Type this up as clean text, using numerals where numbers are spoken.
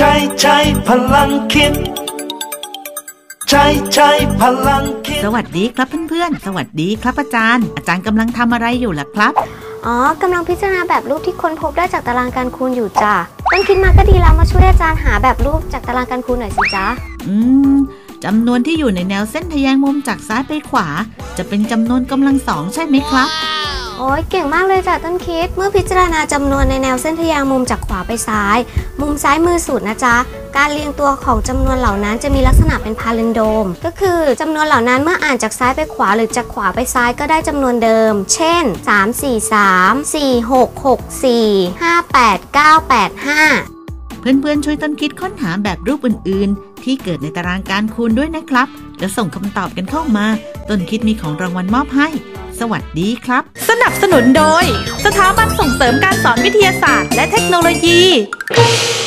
ใช้พลังคิดใช้พลังคิดสวัสดีครับเพื่อนๆสวัสดีครับอาจารย์กำลังทำอะไรอยู่ล่ะครับกำลังพิจารณาแบบรูปที่ค้นพบได้จากตารางการคูณอยู่จ้ะต้นคิดมาก็ดีแล้วมาช่วยอาจารย์หาแบบรูปจากตารางการคูณหน่อยสิจ๊ะจำนวนที่อยู่ในแนวเส้นทแยงมุมจากซ้ายไปขวาจะเป็นจำนวนกำลังสองใช่ไหมครับโอ้ยเก่งมากเลยจ้ะต้นคิดเมื่อพิจารณาจำนวนในแนวเส้นทแยงมุมจากขวาไปซ้ายมุมซ้ายมือสุดนะจ๊ะการเรียงตัวของจำนวนเหล่านั้นจะมีลักษณะเป็นพาลินโดมก็คือจำนวนเหล่านั้นเมื่ออ่านจากซ้ายไปขวาหรือจากขวาไปซ้ายก็ได้จำนวนเดิมเช่น3 4 3 4 6 6 4 5 8 9 8 5 เพื่อนๆช่วยต้นคิดค้นหาแบบรูปอื่นๆที่เกิดในตารางการคูณด้วยนะครับแล้วส่งคำตอบกันเข้ามาต้นคิดมีของรางวัลมอบให้สวัสดีครับสนับสนุนโดยสถาบันส่งเสริมการสอนวิทยาศาสตร์และเทคโนโลยี